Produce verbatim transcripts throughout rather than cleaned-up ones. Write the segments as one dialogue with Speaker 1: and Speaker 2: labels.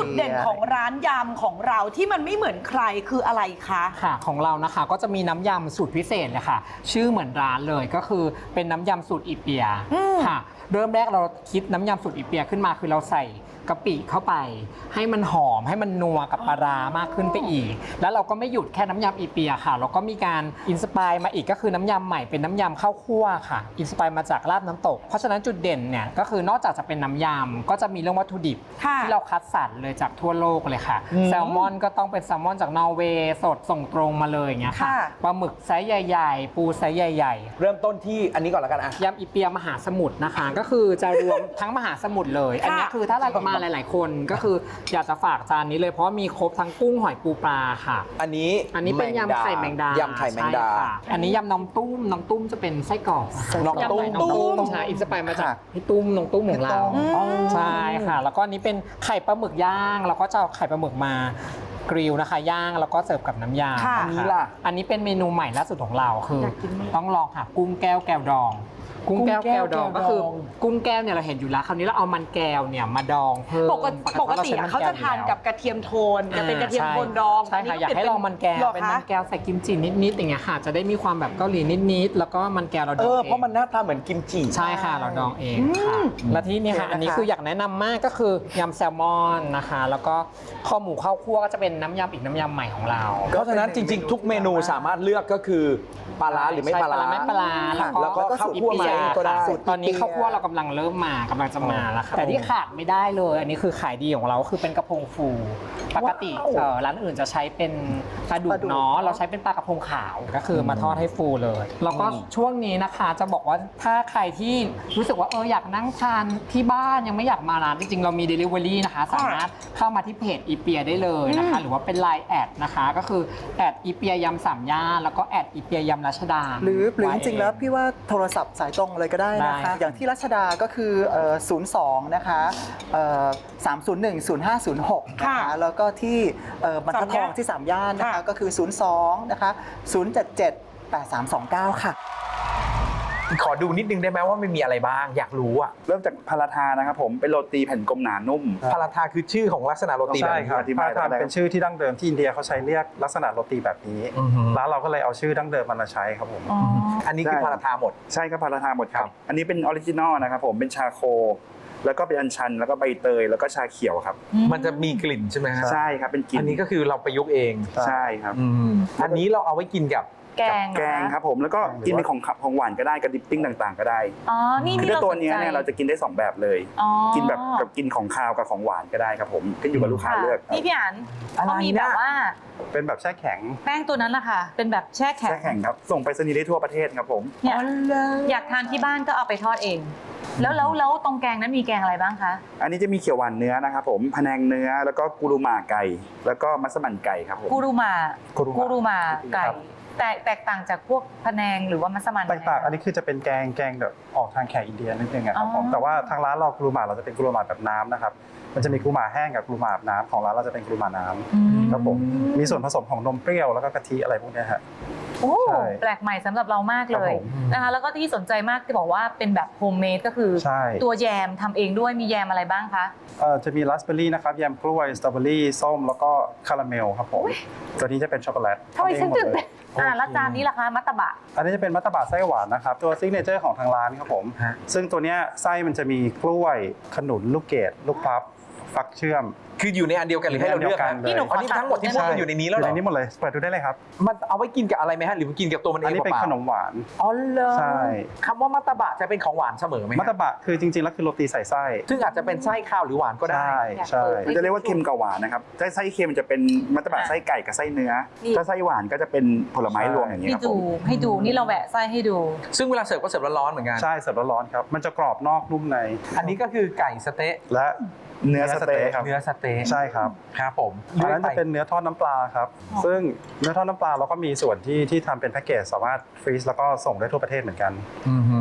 Speaker 1: เด่นของร้านยำของเราที่มันไม่เหมือนใครคืออะไรคะ
Speaker 2: ค่ะของเรานะคะก็จะมีน้ำยำสูตรพิเศษเลยค่ะชื่อเหมือนร้านเลยก็คือเป็นน้ำยำสูตรอิเปียค่ะเริ่มแรกเราคิดน้ำยำสูตรอิเปียขึ้นมาคือเราใส่กะปิเข้าไปให้มันหอมให้มันนัวกับปลาร้ามากขึ้นไปอีกแล้วเราก็ไม่หยุดแค่น้ำยำอีเปียค่ะเราก็มีการอินสปายมาอีกก็คือน้ำยำใหม่เป็นน้ำยำข้าวคั่วค่ะอินสปายมาจากลาบน้ำตกเพราะฉะนั้นจุดเด่นเนี่ยก็คือนอกจากจะเป็นน้ำยำก็จะมีเรื่องวัตถุดิบที่เราคัดสรรเลยจากทั่วโลกเลยค่ะแซลมอนก็ต้องเป็นแซลมอนจากนอร์เวย์สดส่งตรงมาเลยอย่างเงี้ยค่ะปลาหมึกไซส์ใหญ่ๆปูไซส์ใหญ่ๆ
Speaker 3: เริ่มต้นที่อันนี้ก่อนแล้วกันอะ
Speaker 2: ยำอีเปียมหาสมุทรนะคะก็คือจะรวมทั้งมหาสมุทรเลยอันนี้คือถ้าเรามาหลายๆคนก็คืออยากจะฝากจานนี้เลยเพราะมีครบทั้งกุ้งหอยปูปลาค่ะ
Speaker 3: อันนี้
Speaker 2: อันนี้เป็นยำไข่แมงดาย
Speaker 3: ำไข่แมงดา
Speaker 2: อันนี้ยำน้องตุ้มน้องตุ้มจะเป็นไส้กรอก
Speaker 3: น้องตุ้ม
Speaker 2: ตุ้มใช่อินสปายมาจากพี่ตุ้มน้องตุ้มของเราใช่ค่ะแล้วก็อันนี้เป็นไข่ปลาหมึกย่างเราก็จะเอาไข่ปลาหมึกมากริลนะคะย่างแล้วก็เสิร์ฟกับน้ำยา
Speaker 3: อันนี้ล่ะ
Speaker 2: อันนี้เป็นเมนูใหม่ล่าสุดของเราคือต้องลองค่ะกุ้งแก้วแก้วดองกุ้งแก้วแก้วดองก็คือกุ้งแก้วเนี่ยเราเห็นอยู่แล้วคราวนี้เราเอามันแก้วเนี่ยมาดองเพิ่ม
Speaker 1: ปกติเขาจะทานกับกระเทียมโทนจะเป็นกระเทียมโทนดอง
Speaker 2: ใช่ค่ะอยากให้ลองมันแก้วเป็นมันแก้วใส่กิมจินิดๆอย่างเงี้ยค่ะจะได้มีความแบบเกาหลีนิดๆแล้วก็มันแก้วเราดองเอง
Speaker 3: เพราะมันหน้าตาเหมือนกิมจิ
Speaker 2: ใช่ค่ะเราดองเองค่ะและที่นี่ค่ะอันนี้คืออยากแนะนำมากก็คือยำแซลมอนนะคะแล้วก็ข้าวหมูข้าวคั่วก็จะเป็นน้ำยำอีกน้ำยำใหม่ของเรา
Speaker 3: เพราะฉะนั้นจริงๆทุกเมนูสามารถเลือกก็คือปลาร้าหรือไม่ปลาร้า
Speaker 2: ไม่ปลาร้า
Speaker 3: แล้วก็ข้าวคั่วไหมก็ได้
Speaker 2: ตอนนี้ข้าวคั่วเรากำลังเริ่มมากำลังจะมาแล้วค่ะแต่ที่ขาดไม่ได้เลยอันนี้คือขายดีของเราคือเป็นกระพงฟูปกติร้านอื่นจะใช้เป็นปลาดุกเนาะเราใช้เป็นปลากระพงขาวก็คือมาทอดให้ฟูเลยแล้วก็ช่วงนี้นะคะจะบอกว่าถ้าใครที่รู้สึกว่าเอออยากนั่งทานที่บ้านยังไม่อยากมาร้านจริงๆเรามี Delivery นะคะสามารถเข้ามาที่เพจอีเปียได้เลยนะคะหรือว่าเป็น ไลน์ แอดนะคะก็คือแอดอีเปียยำสามย่านแล้วก็แอดอีเปียยำรัชดา
Speaker 4: หรือหรือจริงๆแล้วพี่ว่าโทรศัพท์สายตรงเลยก็ได้นะคะอย่างที่รัชดาก็คือศูนย์ สองนะคะสาม ศูนย์ หนึ่ง ศูนย์ ห้า ศูนย์ หกนะคะแล้วก็ที่บรรทัดทองที่สามย่านนะคะก็คือศูนย์ สองนะคะศูนย์ เจ็ด เจ็ด แปด สาม สอง เก้าค่ะ
Speaker 3: ขอดูนิดนึงได้ไหมว่ามันมีอะไรบ้างอยากรู้อะ
Speaker 5: เริ่มจากพาราทานะครับผมเป็นโรตีแผ่นกลมหนานุ่ม
Speaker 3: พาราทาคือชื่อของลักษณะโรตีแบบนี้
Speaker 5: ครับพาราทาเป็นชื่อที่ดั้งเดิมที่อินเดียเขาใช้เรียกลักษณะโรตีแบบนี้แล้วเราก็เลยเอาชื่อดั้งเดิมมันมาใช้ครับผม
Speaker 3: อันนี้คือพาราทาหมด
Speaker 5: ใช่ครับพาราทาหมดครับอันนี้เป็นออริจินอลนะครับผมเป็นชาโคแล้วก็เป็นอัญชันแล้วก็ใบเตยแล้วก็ชาเขียวครับ
Speaker 3: มันจะมีกลิ่นใช่ไหมครับ
Speaker 5: ใช่ครับเป็นกลิ่น
Speaker 3: อันนี้ก็คือเราประยุกต์เอง
Speaker 5: ใช่ครับ
Speaker 3: อันนี้เราเอาไว้กินกับ
Speaker 6: แกง
Speaker 5: แกงครับผมแล้วก็กินเป็นของของหวานก็ได้กับดิปปิ้งต่างๆก็ได้
Speaker 6: อ๋อนี่
Speaker 5: คือตัวนี้เนี่ยเราจะกินได้สองแบบเลยกินแบบกับกินของคาวกับของหวานก็ได้ครับผมขึ้นอยู่กับลูกค้าเลือก
Speaker 6: นี่พี่อันเขามีแบบว่า
Speaker 5: เป็นแบบแช่แข็ง
Speaker 6: แป้งตัวนั้นแหละค่ะเป็นแบบแช่แข็ง
Speaker 5: แช่แข็งครับส่งไปรษณีย์ได้ทั่วประเทศครับผม
Speaker 6: เนี่ยอยากทานที่บ้านก็เอาไปทอดเองแล้วแล้วแล้วตรงแกงนั้นมีแกงอะไรบ้างคะ
Speaker 5: อันนี้จะมีเขียวหวานเนื้อนะครับผมพะแนงเนื้อแล้วก็กูรูมาไก่แล้วก็มัสมั่นไก่ครับผม
Speaker 6: กูรูมากูรูมาไก่แต่แตกต่างจากพวกพะแนงหรือว่ามัสมั่น
Speaker 5: แตกต่างอันนี้คือจะเป็นแกงแกงแบบออกทางแขกอินเดียนิดนึงครับผมแต่ว่าทางร้านเรากูรูมาเราจะเป็นกูรูมาแบบน้ำนะครับมันจะมีกูรูมาแห้งกับกูรูมาแบบน้ำของร้านเราจะเป็นกูรูมาน้ำครับผมมีส่วนผสมของนมเปรี้ยวแล้วก็กะทิอะไรพวกนี้ฮะ
Speaker 6: โอ้แปลกใหม่สำหรับเรามากเลยนะคะแล้วก็ที่สนใจมากที่บอกว่าเป็นแบบโฮมเมดก็คือตัวแยมทำเองด้วยมีแยมอะไรบ้างคะ
Speaker 5: จะมีราสเบอร์รี่นะครับแยมกล้วยสตรอเบอร์รี่ส้มแล้วก็คาราเมลครับผมตัวนี้จะเป็นช็อกโกแลต
Speaker 6: ทำไมฉันตื่นเต้นอ่าแล้วจานนี้ล่ะคะมัตตบะ
Speaker 5: อันนี้จะเป็นมัตตบะไส้หวานนะครับตัวซิกเนเจอร์ของทางร้านครับผมซึ่งตัวนี้ไส้มันจะมีกล้วยขนุนลูกเกดลูกพลับฟักเชื่อม
Speaker 3: คืออยู่ในอันเดียวกันหรือให้เราเลือกกัน
Speaker 6: นี่หนูขอ
Speaker 3: ทั้งหมดที่พูดกันอยู่ในนี้แล้วเหรอ
Speaker 5: ในนี้หมดเลยเปิดดูได้เลยครับ
Speaker 3: มันเอาไว้กินกับอะไรไหมฮะหรือกินกับตัวมันเอง
Speaker 5: อันนี้เป็นขนมหวาน
Speaker 3: อ๋อเหรอ
Speaker 5: ใช่
Speaker 3: คำว่ามัตตบะจะเป็นของหวานเสมอไหม
Speaker 5: มัตตบะคือจริงๆแล้วคือโรตีใส่ไส้
Speaker 3: ซึ่งอาจจะเป็นไส้ข้าวหรือหวานก็ได้
Speaker 5: ใช่ใช่จะเรียกว่าเค็มกับหวานนะครับไส้ไส้เค็มจะเป็นมัตตบะไส้ไก่กับไส้เนื้อถ้าไส้หวานก็จะเป็นผลไม้รวมอย่างนี้ครับ
Speaker 6: ให้ดูให้ดูนี่เราแหวะไส้ให้ดู
Speaker 3: ซึ่งเวลาเสิร์ฟก็เสิร์ฟร้อนๆเหมือนกัน
Speaker 5: ใช่เสิร์ฟร้อนๆครับมันจะกรอบนอกนุ่มใน
Speaker 3: อันนี้ก็คือไก่สเต๊ะ
Speaker 5: และเนื้อสเต๊ะครับ
Speaker 3: เนื้อสเต๊ะ
Speaker 5: ใช่ครับ
Speaker 3: ครับผม
Speaker 5: อันนั้นจะเป็นเนื้อทอดน้ำปลาครับซึ่งเนื้อทอดน้ำปลาเราก็มีส่วนที่ที่ทำเป็นแพ็กเกจสามารถฟรีซแล้วก็ส่งได้ทั่วประเทศเหมือนกัน
Speaker 3: อือ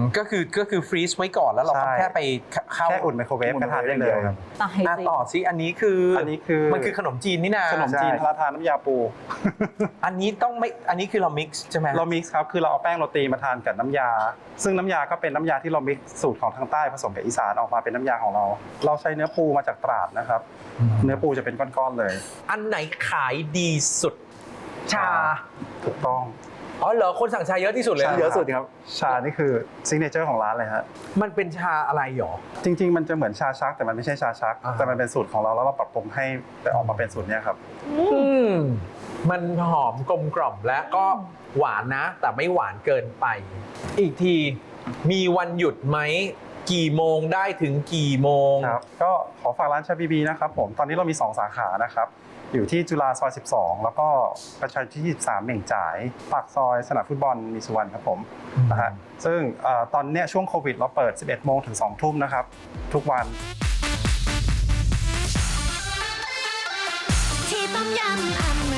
Speaker 3: ก็คือก็คือฟรีซไว้ก่อนแล้วเราก็
Speaker 5: ใช่
Speaker 3: แค่ไปเข้า
Speaker 5: แค่อุ่นไมโครเวฟก็ทานได้เลยครับ
Speaker 6: ตาย
Speaker 3: อ่ะ
Speaker 6: สิ
Speaker 3: ต่อซิอันนี้คือ
Speaker 5: อั
Speaker 3: อั
Speaker 5: นนี้คือ
Speaker 3: มันคือขนมจีนนี่นะ
Speaker 5: ขนมจีน
Speaker 4: ใช่
Speaker 5: พาราทานน้ำยาปู
Speaker 3: อันนี้ต้องไม่อันนี้คือเรามิกซ์ใช่ไหม
Speaker 5: เรามิกซ์ครับคือเราเอาแป้งโรตีมาทานกับน้ำยา ซึ่งน้ำยาก็เป็นน้ำยาที่เรามิกซ์สูตรของทางใต้ผสมกับอีสานออกมาเป็นน้ำยาของเรา เราใช้เนื้อปูมาจากตราดนะครับ เนื้อปูจะเป็นก้อนๆเลย
Speaker 3: อันไหนขายดีสุด ชา
Speaker 5: ถูกต้อง
Speaker 3: อ๋อเหรอคนสั่งชาเยอะที่สุดเลย
Speaker 5: ใช่
Speaker 3: เยอะสุดครับ
Speaker 5: ชานี่คือซิกเนเจอร์ของร้านเลยฮะ
Speaker 3: มันเป็นชาอะไรหรอ
Speaker 5: จริง ๆ มันจะเหมือนชาชักแต่มันไม่ใช่ชาชัก
Speaker 3: อ่าฮะ
Speaker 5: แต่มันเป็นสูตรของเราแล้วเราปรับปรุงให้แต่ออกมาเป็นสูตรเนี้ยครับ
Speaker 3: อืมมันหอมกลมกล่อมและก็หวานนะ แต่ไม่หวานเกินไป อีกทีมีวันหยุดไหมกี่โมงได้ถึงกี่โมง
Speaker 5: ครับก็ขอฝากร้านชาบีบีนะครับผมตอนนี้เรามีสองสาขานะครับอยู่ที่จุฬาซอยสิบสองแล้วก็ประชาที่ยี่สิบสามเหม่งจ่ายปากซอยสนามฟุตบอลมีสุวรรณครับผมนะฮะซึ่งเอ่อตอนเนี้ยช่วงโควิดเราเปิดสิบเอ็ดโมงถึงสองทุ่มนะครับทุกวัน
Speaker 7: ที่ต้มยำอ